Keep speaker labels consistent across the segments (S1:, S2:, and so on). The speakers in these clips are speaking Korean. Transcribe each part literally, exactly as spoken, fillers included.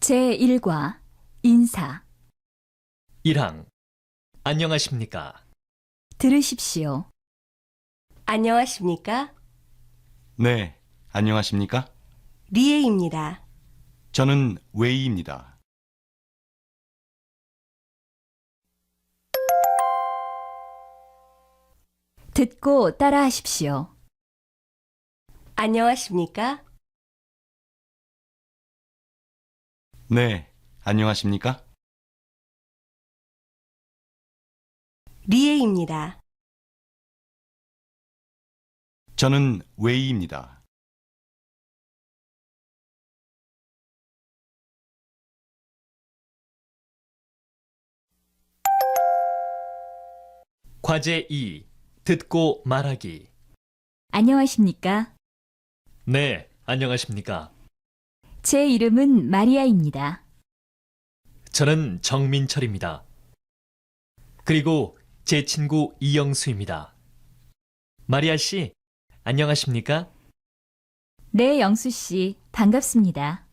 S1: 제일 과 인사.
S2: 일 항 안녕하십니까?
S1: 들으십시오.
S3: 안녕하십니까?
S4: 네, 안녕하십니까?
S3: 리에입니다.
S4: 저는 웨이입니다.
S1: 듣고 따라하십시오.
S3: 안녕하십니까?
S4: 네, 안녕하십니까?
S3: 리에입니다.
S4: 저는 웨이입니다.
S2: 과제 이. 듣고 말하기.
S1: 안녕하십니까?
S2: 네, 안녕하십니까?
S1: 제 이름은 마리아입니다.
S2: 저는 정민철입니다. 그리고 제 친구 이영수입니다. 마리아 씨, 안녕하십니까?
S1: 네, 영수 씨, 반갑습니다.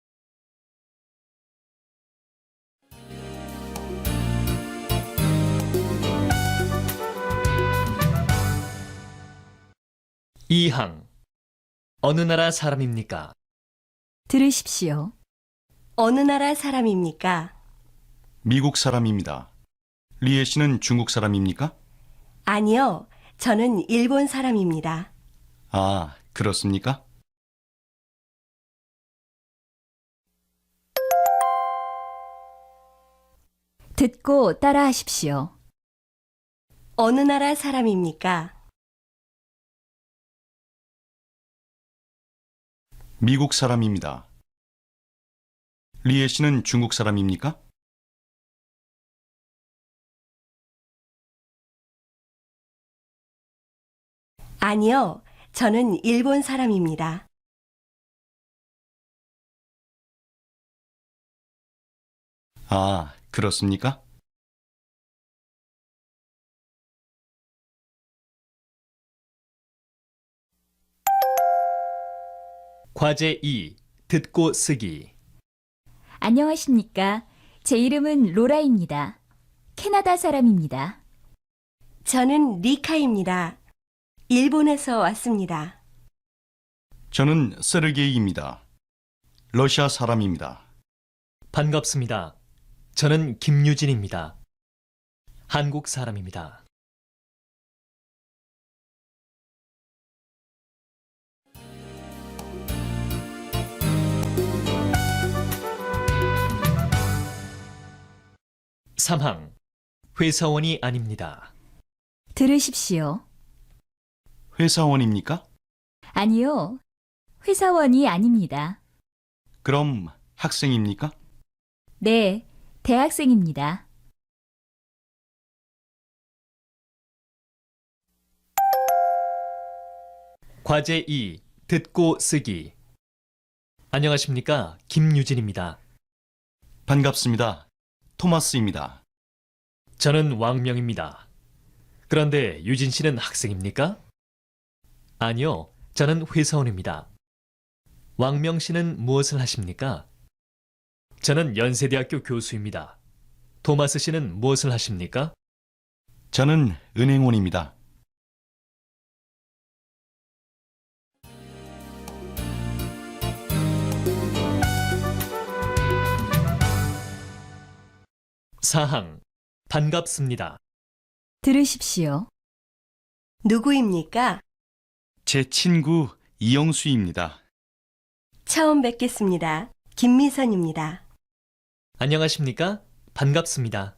S2: 이 항 어느 나라 사람입니까?
S1: 들으십시오.
S3: 어느 나라 사람입니까?
S4: 미국 사람입니다. 리에 씨는 중국 사람입니까?
S3: 아니요, 저는 일본 사람입니다.
S4: 아, 그렇습니까?
S1: 듣고 따라하십시오.
S3: 어느 나라 사람입니까?
S4: 미국 사람입니다. 리에 씨는 중국 사람입니까?
S3: 아니요, 저는 일본 사람입니다.
S4: 아, 그렇습니까?
S2: 과제 이. 듣고 쓰기.
S1: 안녕하십니까? 제 이름은 로라입니다. 캐나다 사람입니다.
S3: 저는 리카입니다. 일본에서 왔습니다.
S4: 저는 세르게이입니다. 러시아 사람입니다.
S2: 반갑습니다. 저는 김유진입니다. 한국 사람입니다. 삼 항 회사원이 아닙니다.
S1: 들으십시오.
S4: 회사원입니까?
S1: 아니요, 회사원이 아닙니다.
S4: 그럼 학생입니까?
S1: 네, 대학생입니다.
S2: 과제 이. 듣고 쓰기. 안녕하십니까? 김유진입니다.
S4: 반갑습니다. 토마스입니다.
S2: 저는 왕명입니다. 그런데 유진 씨는 학생입니까? 아니요, 저는 회사원입니다. 왕명 씨는 무엇을 하십니까? 저는 연세대학교 교수입니다. 토마스 씨는 무엇을 하십니까?
S4: 저는 은행원입니다.
S2: 사 항 반갑습니다.
S1: 들으십시오.
S3: 누구입니까?
S4: 제 친구 이영수입니다.
S3: 처음 뵙겠습니다. 김미선입니다.
S2: 안녕하십니까? 반갑습니다.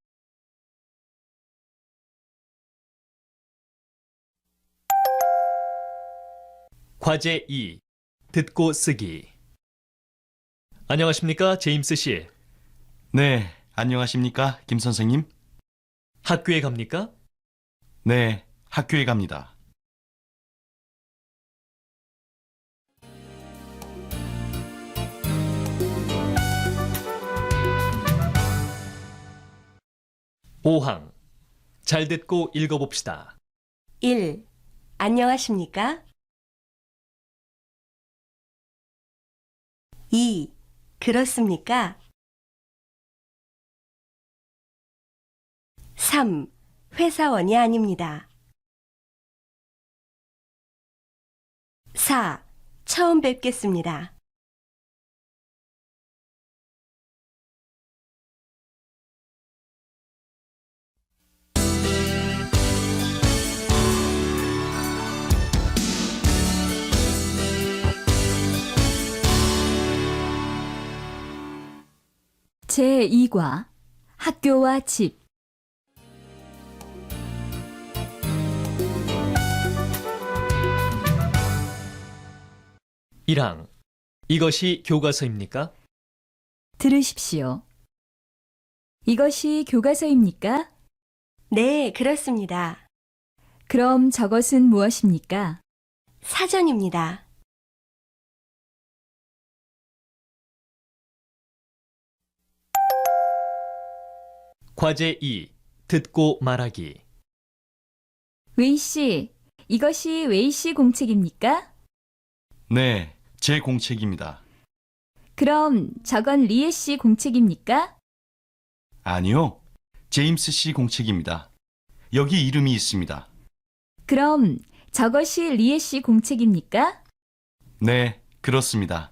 S2: 과제 이. 듣고 쓰기. 안녕하십니까? 제임스 씨.
S4: 네, 안녕하십니까, 김 선생님?
S2: 학교에 갑니까?
S4: 네, 학교에 갑니다.
S2: 오 항 잘 듣고 읽어봅시다.
S3: 일. 안녕하십니까? 이. 그렇습니까? 삼. 회사원이 아닙니다. 사. 처음 뵙겠습니다.
S1: 제이 과 학교와 집.
S2: 일 항. 이것이 교과서입니까?
S1: 들으십시오. 이것이 교과서입니까?
S3: 네, 그렇습니다.
S1: 그럼 저것은 무엇입니까?
S3: 사전입니다.
S2: 과제 이. 듣고 말하기.
S1: 웨이 씨, 이것이 웨이 씨 공책입니까?
S4: 네, 제 공책입니다.
S1: 그럼 저건 리에 씨 공책입니까?
S4: 아니요, 제임스 씨 공책입니다. 여기 이름이 있습니다.
S1: 그럼 저것이 리에 씨 공책입니까?
S4: 네, 그렇습니다.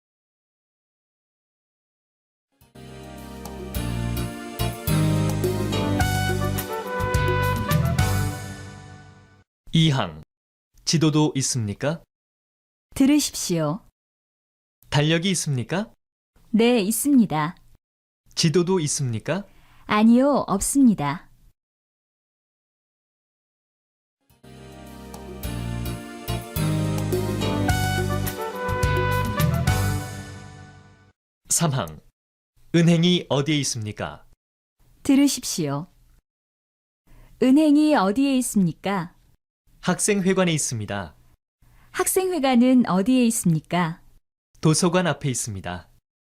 S2: 이 항. 지도도 있습니까?
S1: 들으십시오.
S2: 달력이 있습니까?
S1: 네, 있습니다.
S2: 지도도 있습니까?
S1: 아니요, 없습니다.
S2: 삼 항. 은행이 어디에 있습니까?
S1: 들으십시오. 은행이 어디에 있습니까?
S2: 학생회관에 있습니다.
S1: 학생회관은 어디에 있습니까?
S2: 도서관 앞에 있습니다.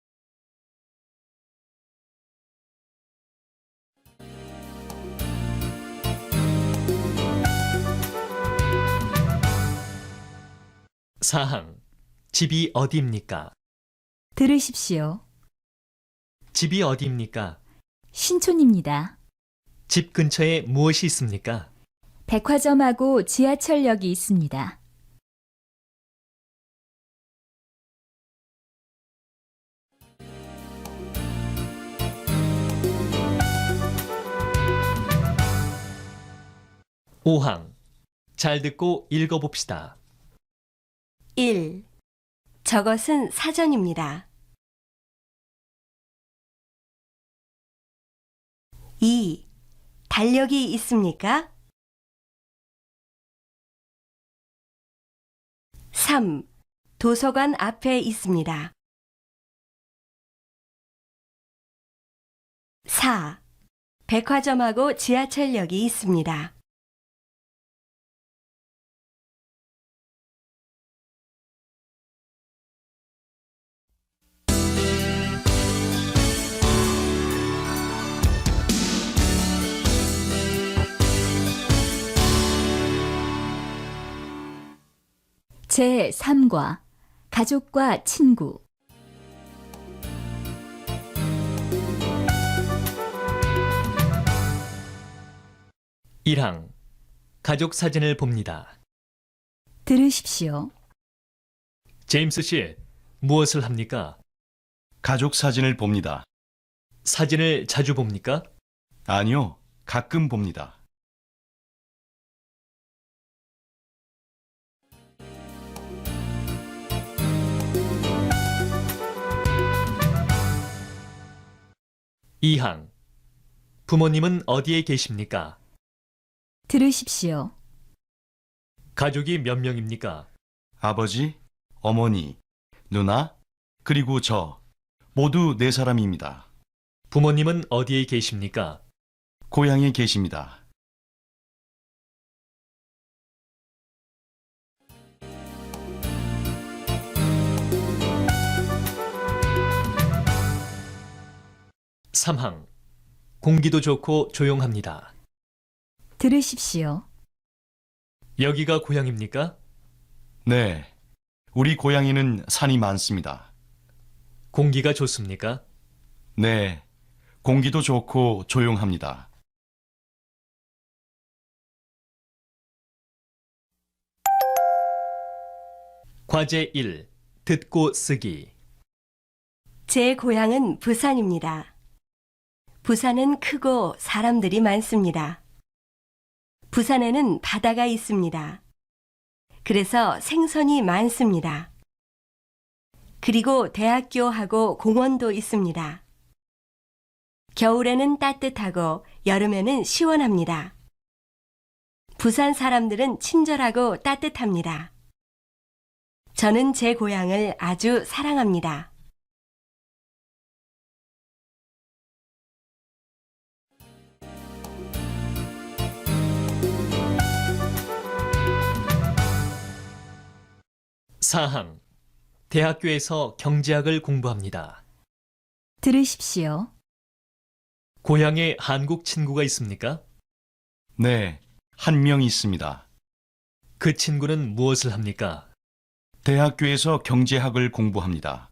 S2: 사 항. 집이 어디입니까?
S1: 들으십시오.
S2: 집이 어디입니까?
S1: 신촌입니다.
S2: 집 근처에 무엇이 있습니까?
S1: 백화점하고 지하철역이 있습니다.
S2: 오 항. 잘 듣고 읽어봅시다.
S3: 일. 저것은 사전입니다. 이. 달력이 있습니까? 삼. 도서관 앞에 있습니다. 사. 백화점하고 지하철역이 있습니다.
S1: 제삼 과 가족과 친구.
S2: 일 항. 가족 사진을 봅니다.
S1: 들으십시오.
S2: 제임스 씨, 무엇을 합니까?
S4: 가족 사진을 봅니다.
S2: 사진을 자주 봅니까?
S4: 아니요, 가끔 봅니다.
S2: 이 항. 부모님은 어디에 계십니까?
S1: 들으십시오.
S2: 가족이 몇 명입니까?
S4: 아버지, 어머니, 누나, 그리고 저, 모두 네 사람입니다.
S2: 부모님은 어디에 계십니까?
S4: 고향에 계십니다.
S2: 삼 항. 공기도 좋고 조용합니다.
S1: 들으십시오.
S2: 여기가 고향입니까?
S4: 네, 우리 고향에는 산이 많습니다.
S2: 공기가 좋습니까?
S4: 네. 공기도 좋고 조용합니다.
S2: 과제 일. 듣고 쓰기.
S3: 제 고향은 부산입니다. 부산은 크고 사람들이 많습니다. 부산에는 바다가 있습니다. 그래서 생선이 많습니다. 그리고 대학교하고 공원도 있습니다. 겨울에는 따뜻하고 여름에는 시원합니다. 부산 사람들은 친절하고 따뜻합니다. 저는 제 고향을 아주 사랑합니다.
S2: 사항. 대학교에서 경제학을 공부합니다.
S1: 들으십시오.
S2: 고향에 한국 친구가 있습니까?
S4: 네. 한 명 있습니다.
S2: 그 친구는 무엇을 합니까?
S4: 대학교에서 경제학을 공부합니다.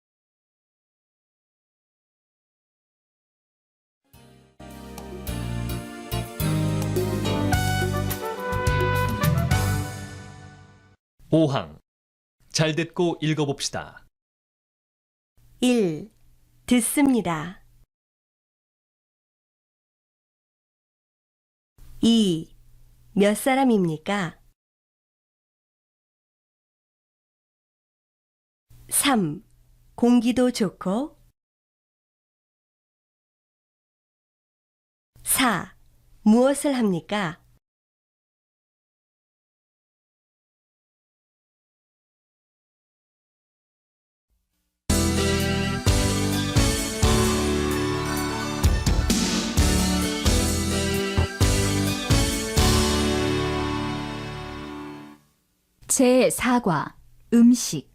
S2: 오항. 잘 듣고 읽어봅시다.
S3: 일. 듣습니다. 이. 몇 사람입니까? 삼. 공기도 좋고. 사. 무엇을 합니까?
S1: 제사 과 음식.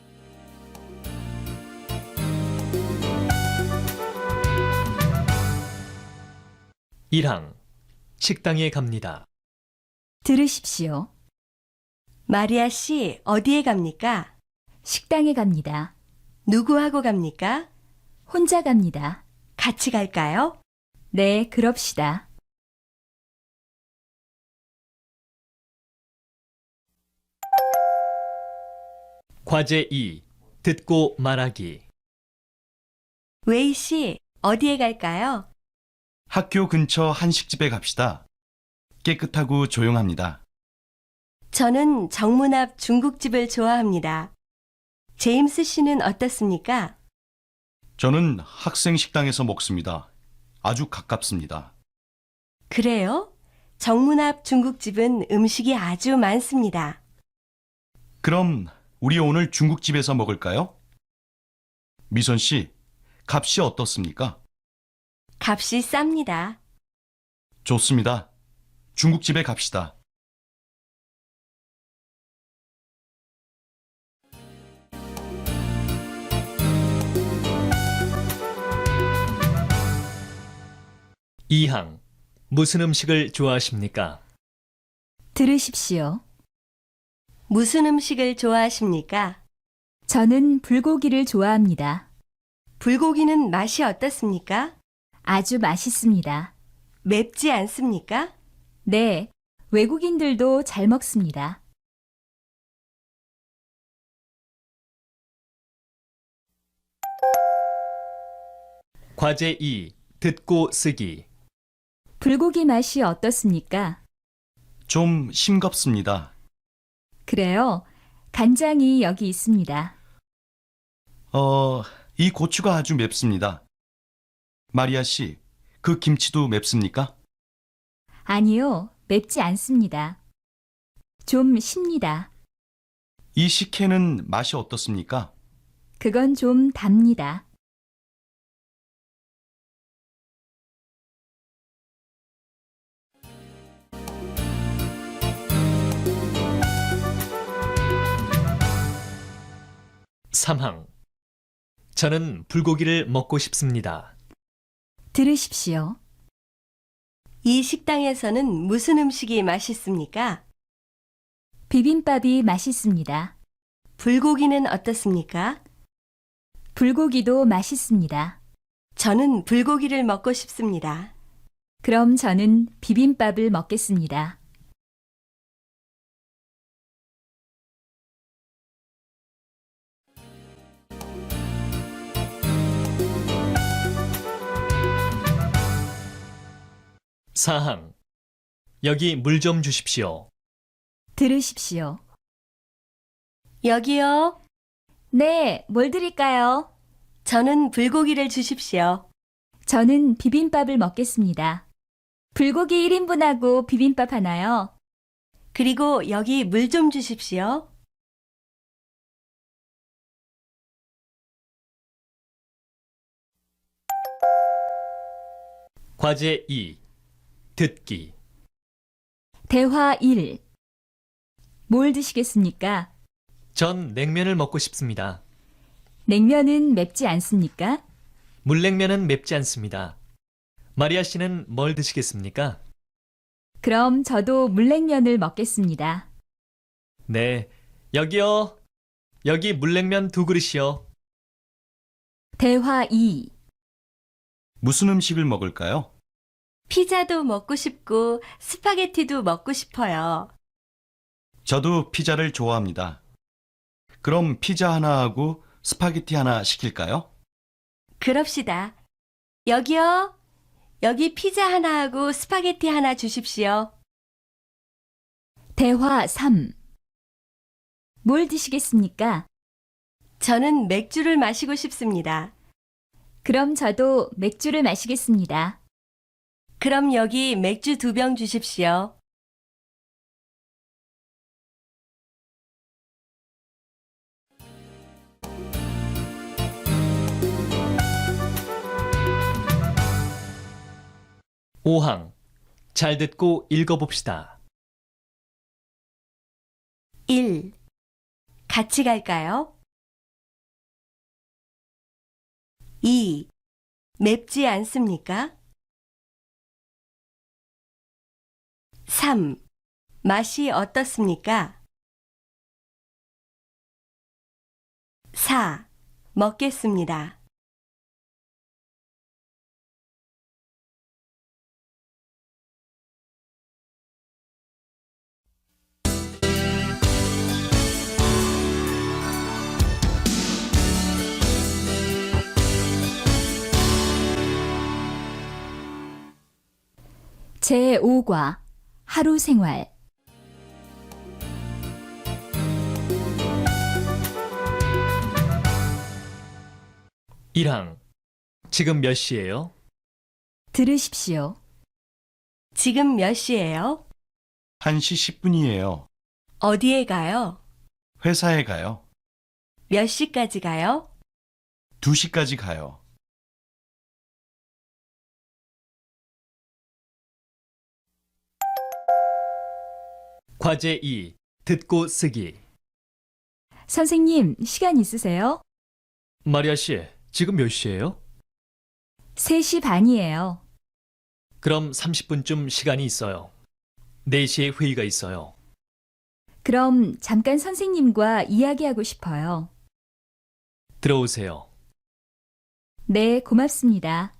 S2: 일항. 식당에 갑니다.
S1: 들으십시오.
S3: 마리아 씨, 어디에 갑니까?
S1: 식당에 갑니다.
S3: 누구하고 갑니까?
S1: 혼자 갑니다.
S3: 같이 갈까요?
S1: 네, 그럽시다.
S2: 과제 이. 듣고 말하기.
S3: 웨이 씨, 어디에 갈까요?
S4: 학교 근처 한식집에 갑시다. 깨끗하고 조용합니다.
S3: 저는 정문 앞 중국집을 좋아합니다. 제임스 씨는 어떻습니까?
S4: 저는 학생 식당에서 먹습니다. 아주 가깝습니다.
S3: 그래요? 정문 앞 중국집은 음식이 아주 많습니다.
S4: 그럼 우리 오늘 중국집에서 먹을까요? 미선 씨, 값이 어떻습니까?
S3: 값이 쌉니다.
S4: 좋습니다. 중국집에 갑시다.
S2: 이항. 무슨 음식을 좋아하십니까?
S1: 들으십시오.
S3: 무슨 음식을 좋아하십니까?
S1: 저는 불고기를 좋아합니다.
S3: 불고기는 맛이 어떻습니까?
S1: 아주 맛있습니다.
S3: 맵지 않습니까?
S1: 네, 외국인들도 잘 먹습니다.
S2: 과제 이. 듣고 쓰기.
S1: 불고기 맛이 어떻습니까?
S4: 좀 싱겁습니다.
S1: 그래요. 간장이 여기 있습니다.
S4: 어, 이 고추가 아주 맵습니다. 마리아 씨, 그 김치도 맵습니까?
S1: 아니요, 맵지 않습니다. 좀 쉽니다.
S4: 이 식혜는 맛이 어떻습니까?
S1: 그건 좀 답니다.
S2: 삼항. 저는 불고기를 먹고 싶습니다.
S1: 들으십시오.
S3: 이 식당에서는 무슨 음식이 맛있습니까?
S1: 비빔밥이 맛있습니다.
S3: 불고기는 어떻습니까?
S1: 불고기도 맛있습니다.
S3: 저는 불고기를 먹고 싶습니다.
S1: 그럼 저는 비빔밥을 먹겠습니다.
S2: 사항. 여기 물 좀 주십시오.
S1: 들으십시오.
S3: 여기요.
S1: 네, 뭘 드릴까요?
S3: 저는 불고기를 주십시오.
S1: 저는 비빔밥을 먹겠습니다. 불고기 일 인분하고 비빔밥 하나요?
S3: 그리고 여기 물 좀 주십시오.
S2: 과제 이. 듣기.
S1: 대화 일. 뭘 드시겠습니까?
S2: 전 냉면을 먹고 싶습니다.
S1: 냉면은 맵지 않습니까?
S2: 물냉면은 맵지 않습니다. 마리아 씨는 뭘 드시겠습니까?
S1: 그럼 저도 물냉면을 먹겠습니다.
S2: 네, 여기요. 여기 물냉면 두 그릇이요.
S1: 대화 이.
S4: 무슨 음식을 먹을까요?
S3: 피자도 먹고 싶고 스파게티도 먹고 싶어요.
S4: 저도 피자를 좋아합니다. 그럼 피자 하나 하고 스파게티 하나 시킬까요?
S3: 그럽시다. 여기요. 여기 피자 하나 하고 스파게티 하나 주십시오.
S1: 대화 삼. 뭘 드시겠습니까?
S3: 저는 맥주를 마시고 싶습니다.
S1: 그럼 저도 맥주를 마시겠습니다.
S3: 그럼 여기 맥주 두 병 주십시오.
S2: 오항. 잘 듣고 읽어봅시다.
S3: 일. 같이 갈까요? 이. 맵지 않습니까? 삼. 맛이 어떻습니까? 사. 먹겠습니다.
S1: 제오 과 하루 생활.
S2: 일항. 지금 몇 시예요?
S1: 들으십시오.
S3: 지금 몇 시예요?
S4: 한 시 십 분이에요.
S3: 어디에 가요?
S4: 회사에 가요.
S3: 몇 시까지 가요?
S4: 두 시까지 가요.
S2: 과제 이. 듣고 쓰기.
S1: 선생님, 시간 있으세요?
S2: 마리아 씨, 지금 몇 시예요?
S1: 세 시 반이에요.
S2: 그럼 삼십 분쯤 시간이 있어요. 네 시에 회의가 있어요.
S1: 그럼 잠깐 선생님과 이야기하고 싶어요.
S2: 들어오세요.
S1: 네, 고맙습니다.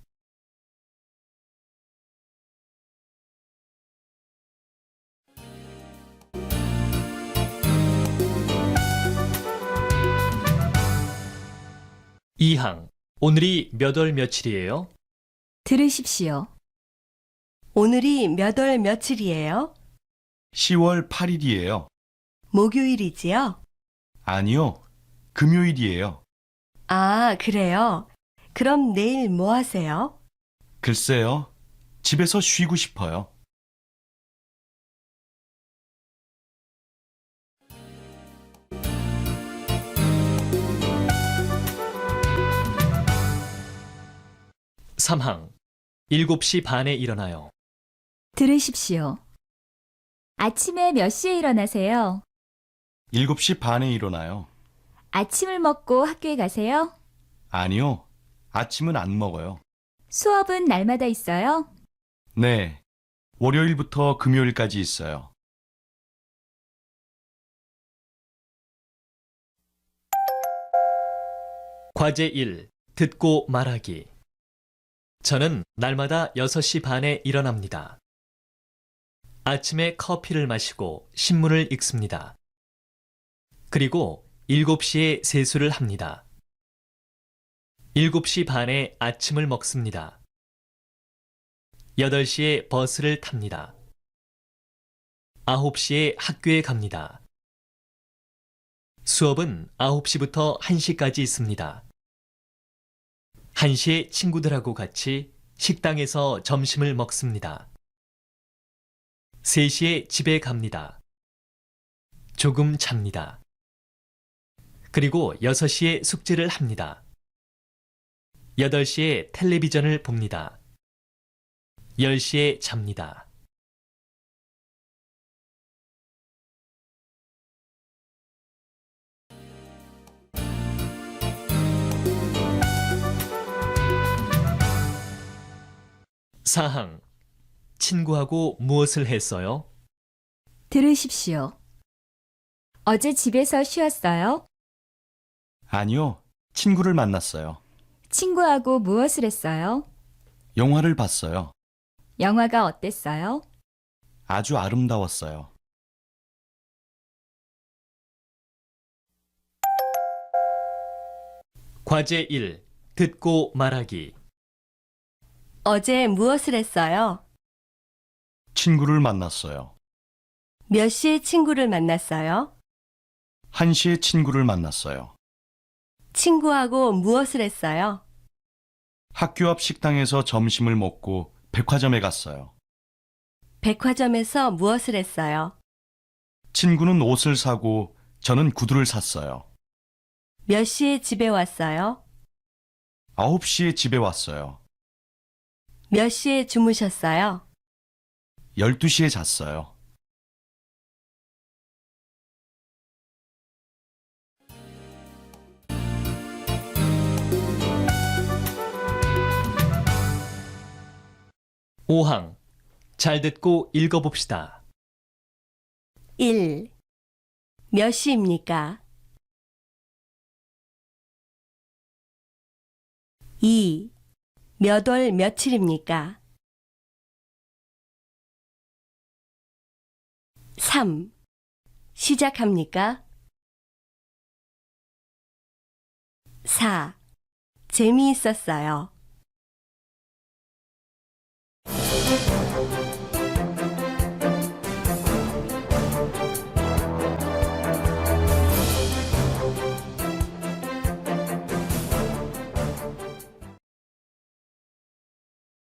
S2: 이항. 오늘이 몇 월 며칠이에요?
S1: 들으십시오.
S3: 오늘이 몇 월 며칠이에요?
S4: 시월 팔 일이에요.
S3: 목요일이지요?
S4: 아니요. 금요일이에요.
S3: 아, 그래요? 그럼 내일 뭐 하세요?
S4: 글쎄요. 집에서 쉬고 싶어요.
S2: 삼항. 일곱 시 반에 일어나요.
S1: 들으십시오. 아침에 몇 시에 일어나세요?
S4: 일곱 시 반에 일어나요.
S1: 아침을 먹고 학교에 가세요?
S4: 아니요. 아침은 안 먹어요.
S1: 수업은 날마다 있어요?
S4: 네. 월요일부터 금요일까지 있어요.
S2: 과제 일. 듣고 말하기. 저는 날마다 여섯 시 반에 일어납니다. 아침에 커피를 마시고 신문을 읽습니다. 그리고 일곱 시에 세수를 합니다. 일곱 시 반에 아침을 먹습니다. 여덟 시에 버스를 탑니다. 아홉 시에 학교에 갑니다. 수업은 아홉 시부터 한 시까지 있습니다. 한 시에 친구들하고 같이 식당에서 점심을 먹습니다. 세 시에 집에 갑니다. 조금 잡니다. 그리고 여섯 시에 숙제를 합니다. 여덟 시에 텔레비전을 봅니다. 열 시에 잡니다. 사항. 친구하고 무엇을 했어요?
S1: 들으십시오. 어제 집에서 쉬었어요?
S4: 아니요. 친구를 만났어요.
S1: 친구하고 무엇을 했어요?
S4: 영화를 봤어요.
S1: 영화가 어땠어요?
S4: 아주 아름다웠어요.
S2: 과제 일. 듣고 말하기.
S3: 어제 무엇을 했어요?
S4: 친구를 만났어요.
S3: 몇 시에 친구를 만났어요?
S4: 한 시에 친구를 만났어요.
S3: 친구하고 무엇을 했어요?
S4: 학교 앞 식당에서 점심을 먹고 백화점에 갔어요.
S3: 백화점에서 무엇을 했어요?
S4: 친구는 옷을 사고 저는 구두를 샀어요.
S3: 몇 시에 집에 왔어요?
S4: 아홉 시에 집에 왔어요.
S3: 몇 시에 주무셨어요?
S4: 열두 시에 잤어요.
S2: 오항. 잘 듣고 읽어봅시다.
S3: 일. 몇 시입니까? 이. 몇 월 며칠입니까? 삼. 시작합니까? 사. 재미있었어요.